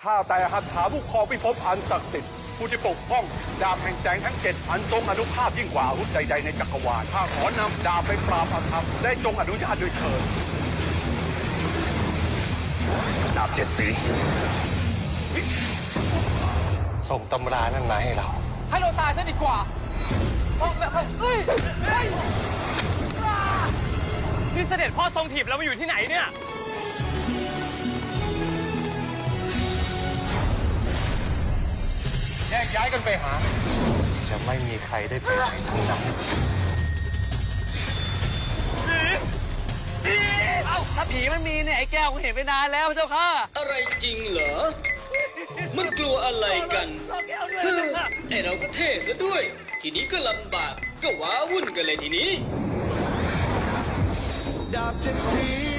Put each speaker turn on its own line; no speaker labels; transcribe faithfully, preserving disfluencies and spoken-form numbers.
ข้าแต่หัตถาผู้ครองพิภพอันศักดิ์สิทธิ์ผู้ที่ปกป้องดาบแห่งแสงทั้งเจ็ดอันทรงอนุภาพยิ่งกว่าอาวุธใดๆในจักรวาลข้าขอนำดาบไปปราบอาธรรมได้จงอนุญาตด้วยเถิดดาบเจ็ดสีส่งตำรานั่นมาให้เรา
ให้เราตายซะดีกว่าเฮ้ยเฮ้ยนี่เสด็จพ่อทรงถีบเรามาอยู่ที่ไหนเนี่ย
แยกย้ายกันไปหาจะไม่มีใครได้ไปไหนทั้งนั้น
เอ้าถ้าผีมันมีเนี่ยไอ้แก้วกูเห็นไปนานแล้วเจ้าค่ะ
อะไรจริงเหรอมันกลัวอะไรกันไอเราก็เท่ซะด้วยทีนี้ก็ลำบากก็ว้าวุ่นกันเลยทีนี้
ดาบเจ็ดสี